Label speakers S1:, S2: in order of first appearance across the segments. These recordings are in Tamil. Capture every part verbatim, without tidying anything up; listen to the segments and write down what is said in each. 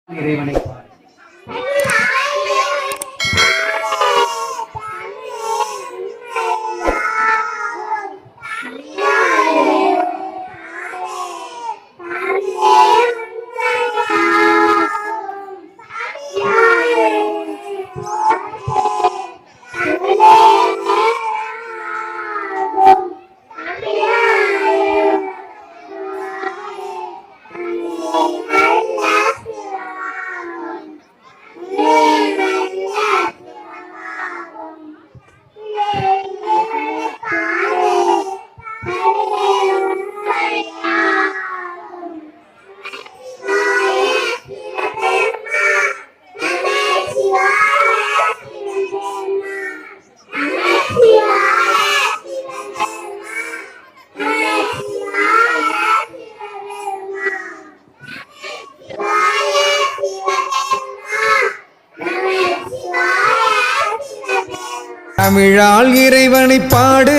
S1: இறைவனை தமிழால் இறைவனை பாடு,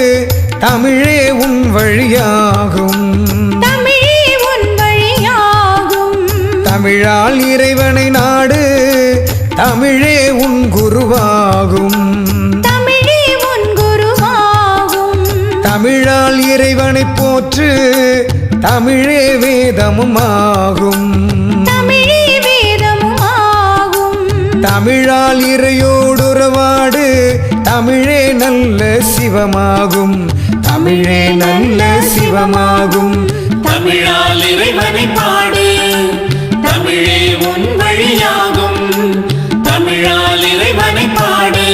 S1: தமிழே உன் வழியாகும்,
S2: தமிழே உன் வழியாகும்.
S1: தமிழால் இறைவனை நாடு, தமிழே உன் குருவாகும்,
S2: தமிழே உன் குருவாகும்.
S1: தமிழால் இறைவனை போற்று, தமிழே வேதமும் ஆகும்,
S2: தமிழே வேதமும் ஆகும்.
S1: தமிழால் இறையோடுறவாடு, தமிழே நல்ல சிவமாகும், தமிழே நல்ல சிவமாகும்.
S3: தமிழால் இறைவனை பாடு, தமிழே உன் வழியாகும், தமிழால் இறைவனை பாடு,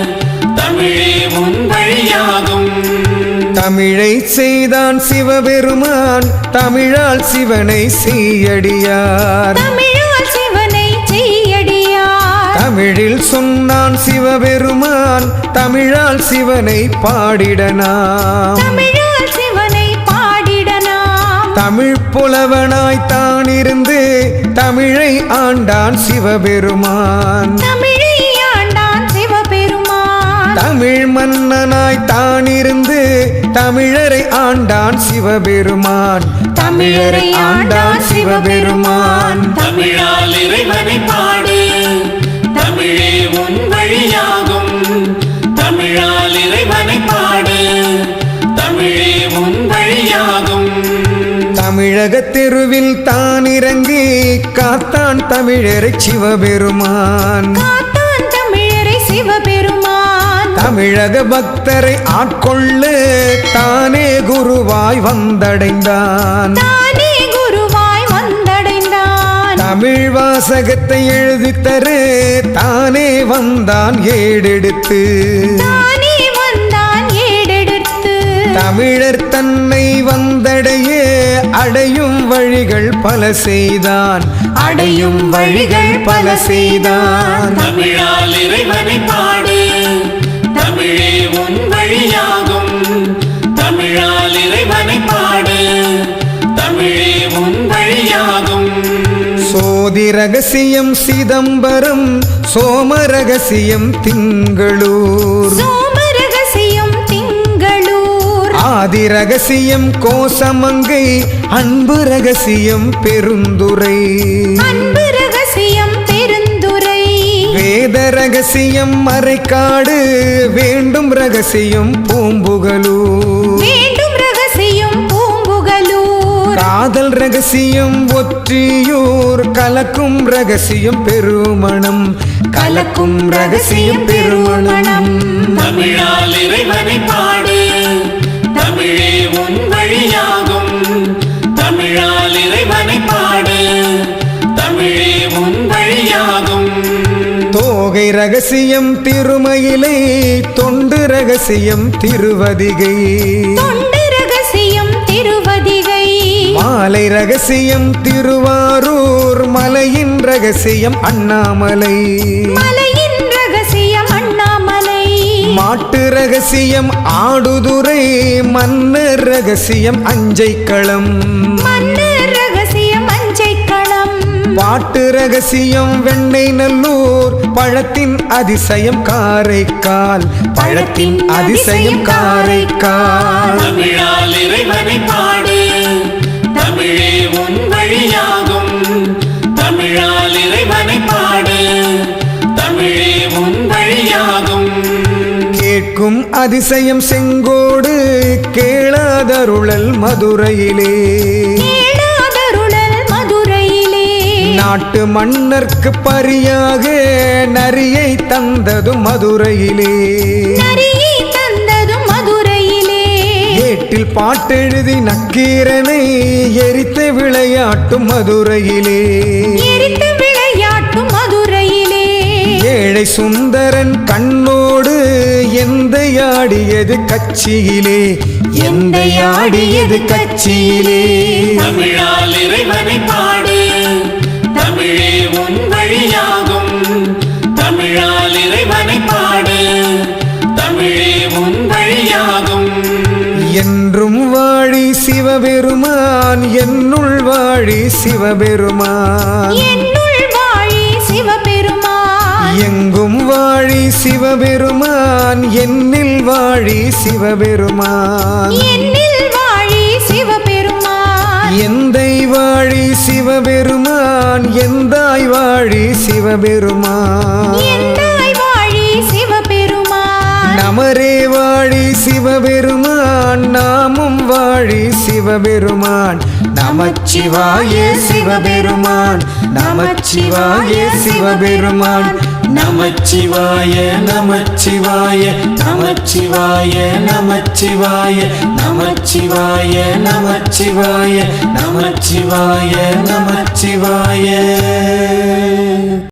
S3: தமிழே உன் வழியாகும்.
S1: தமிழை செய்தான் சிவபெருமான், தமிழால் சிவனை செய்யடியார்,
S2: தமிழால் சிவனை செய்யடியார்.
S1: தமிழில் சொன்னான் சிவபெருமான், தமிழால் சிவனை பாடிடனாம்,
S2: தமிழால் சிவனை பாடிடனாம்.
S1: தமிழ் புலவனாய் தான் இருந்து தமிழை ஆண்டான் சிவபெருமான்,
S2: தமிழை ஆண்டான் சிவபெருமான்.
S1: தமிழ் மன்னனாய் தான் இருந்து தமிழரை ஆண்டான் சிவபெருமான், தமிழரை ஆண்டான் சிவபெருமான்.
S3: தமிழால் இறைவனை பாடு, தமிழே உன் வழியாகும், தமிழால் இறைவனை பாடு, தமிழே உன் வழியாகும்.
S1: தமிழக தெருவில் தான் இறங்கி காத்தான் தமிழரை சிவபெருமான்,
S2: காத்தான் தமிழரை சிவபெருமான்.
S1: தமிழக பக்தரை ஆட்கொள்ள தானே குருவாய் வந்தடைந்தான்,
S2: தானே குருவாய் வந்தடைந்தான்.
S1: தமிழ் வாசகத்தை எழுதித்தரு தானே வந்தான் ஏடெடுத்து,
S2: தானே வந்தான் ஏடெடுத்து.
S1: தமிழர் தன்னை வந்தடைய அடையும் வழிகள் பல செய்தான், அடையும் வழிகள் பல செய்தான்.
S3: தமிழால் இறைவனை பாடு, தமிழே உன் வழியாகும், தமிழால் இறைவனை பாடு, தமிழே உன் வழியாகும்.
S1: சோதி ரகசியம் சிதம்பரம், சோம ரகசியம் திங்களூர்,
S2: சோம ரகசியம் திங்களூர்.
S1: ஆதி ரகசியம் கோசமங்கை, அன்பு ரகசியம் பெருந்துரை,
S2: அன்பு ரகசியம் பெருந்துரை.
S1: வேத ரகசியம் மறைக்காடு, வேண்டும் ரகசியம் பூம்புகலூர்,
S2: வேண்டும் ரகசியம் பூம்புகலூர்.
S1: காதல் ரகசியம் ஒற்றியூர், கலக்கும் ரகசியம் பெருமணம், கலக்கும் ரகசியம் பெருமணம்.
S3: தமிழால் இறைவனை பாடு, தமிழே உன் வழியாகும், தமிழால் இறைவனை பாடு, தமிழே உன் வழியாகும்.
S1: தோகை ரகசியம் திருமயிலை, தொண்டு ரகசியம் திருவதிகை,
S2: தொண்டு ரகசியம் திருவதிகை.
S1: மாலை ரகசியம் திருவாரூர், மலையின் ரகசியம் அண்ணாமலை,
S2: மலையின் ரகசியம் அண்ணாமலை.
S1: மாட்டு ரகசியம் ஆடுதுறை, மன்னர் ரகசியம் அஞ்சைக்களம்,
S2: மன்னர் ரகசியம் அஞ்சைக்களம்.
S1: பாட்டு ரகசியம் வெண்ணெய் நல்லூர், பழத்தின் அதிசயம் காரைக்கால், பழத்தின் அதிசயம் காரைக்கால்.
S3: தமிழால் இறைவனை பாடு, தமிழே உன் வழியாகும், தமிழால்
S1: எங்கும் அதிசயம் செங்கோடு கேளாதருளல் மதுரையிலே
S2: கேளாதருளல் மதுரையிலே
S1: நாட்டு மன்னர்க்கு பரியாக நரியை தந்ததும் மதுரையிலே
S2: நரியை தந்ததும் மதுரையிலே
S1: ஏட்டில் பாட்டெழுதி நக்கீரனை எரித்து விளையாட்டும் மதுரையிலே
S2: எரித்து விளையாட்டும் மதுரையிலே
S1: ஏழை சுந்தரன் கண்ணோடு எந்தையாடியது கட்சியிலே எந்தையாடியது கட்சியிலே
S3: தமிழால் இறைவனை பாடு தமிழே உன் வழியாகும் தமிழால் இறைவனை பாடு தமிழே உன் வழியாகும்
S1: என்றும் வாழி சிவபெருமான் என்னுள் வாழி சிவபெருமான்
S2: என்னுள் வாழி சிவபெருமான்
S1: எங்கும் வாழி சிவபெருமான் என்னில் வாழி சிவபெருமான்
S2: என்னில் வாழி சிவபெருமான்
S1: எந்தை வாழி சிவபெருமான் எந்தாய் வாழி சிவபெருமான்
S2: எந்தாய் வாழி சிவபெருமான்
S1: நமரே வாழி சிவபெருமான் நாமும் வாழி சிவபெருமான் நமச்சிவாய சிவபெருமான் நமச்சிவாய சிவபெருமான் நமச்சிவாய நமச்சிவாய நமச்சிவாய நமச்சிவாய நமச்சிவாய நமச்சிவாய நமச்சிவாய நமச்சிவாய